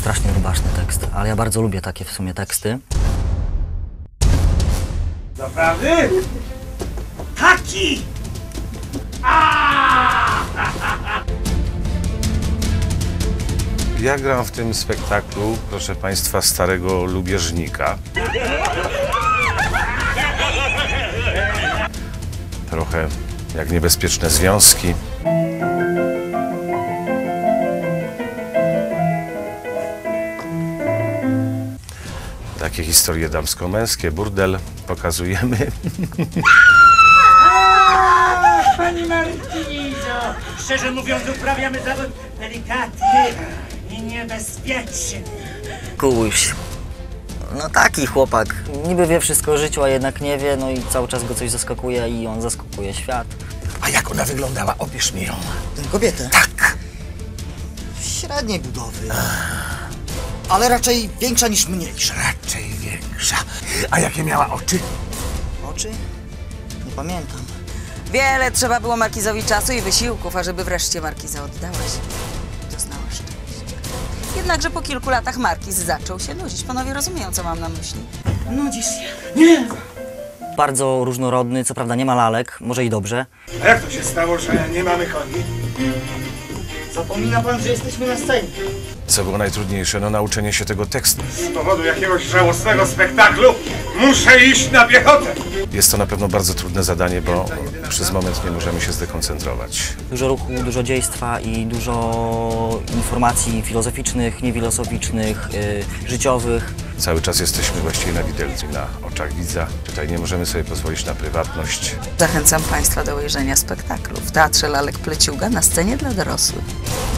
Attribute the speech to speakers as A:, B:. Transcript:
A: strasznie rubaszny tekst, ale ja bardzo lubię takie w sumie teksty.
B: Naprawdę? Taki!
C: Ja gram w tym spektaklu, proszę Państwa, starego lubieżnika. Trochę jak niebezpieczne związki. Takie historie damsko-męskie, burdel pokazujemy.
B: Pani Martyno, szczerze mówiąc, uprawiamy zawód delikatny i niebezpieczny.
A: Kuś. No taki chłopak. Niby wie wszystko o życiu, a jednak nie wie, no i cały czas go coś zaskakuje i on zaskakuje świat.
D: A jak ona wyglądała? Opisz mi ją.
E: Tę kobietę?
D: Tak.
E: Średniej budowy. Ale raczej większa niż mniejsza.
D: Raczej większa. A jakie miała oczy?
E: Oczy? Nie pamiętam.
F: Wiele trzeba było Markizowi czasu i wysiłków, ażeby wreszcie Markiza oddałaś. Doznała szczęścia. Jednakże po kilku latach Markiz zaczął się nudzić. Panowie rozumieją, co mam na myśli.
B: Nudzisz się? Nie!
A: Bardzo różnorodny, co prawda nie ma lalek, może i dobrze.
B: A jak to się stało, że nie mamy koni?
E: Zapomina pan, że jesteśmy na scenie.
C: Co było najtrudniejsze? No nauczenie się tego tekstu.
B: Z powodu jakiegoś żałosnego spektaklu muszę iść na piechotę!
C: Jest to na pewno bardzo trudne zadanie, bo przez moment nie możemy się zdekoncentrować.
A: Dużo ruchu, dużo dziejstwa i dużo informacji filozoficznych, niefilozoficznych, życiowych.
C: Cały czas jesteśmy właściwie na widelcu, na oczach widza. Tutaj nie możemy sobie pozwolić na prywatność.
F: Zachęcam Państwa do ujrzenia spektaklu w Teatrze Lalek Pleciuga na scenie dla dorosłych.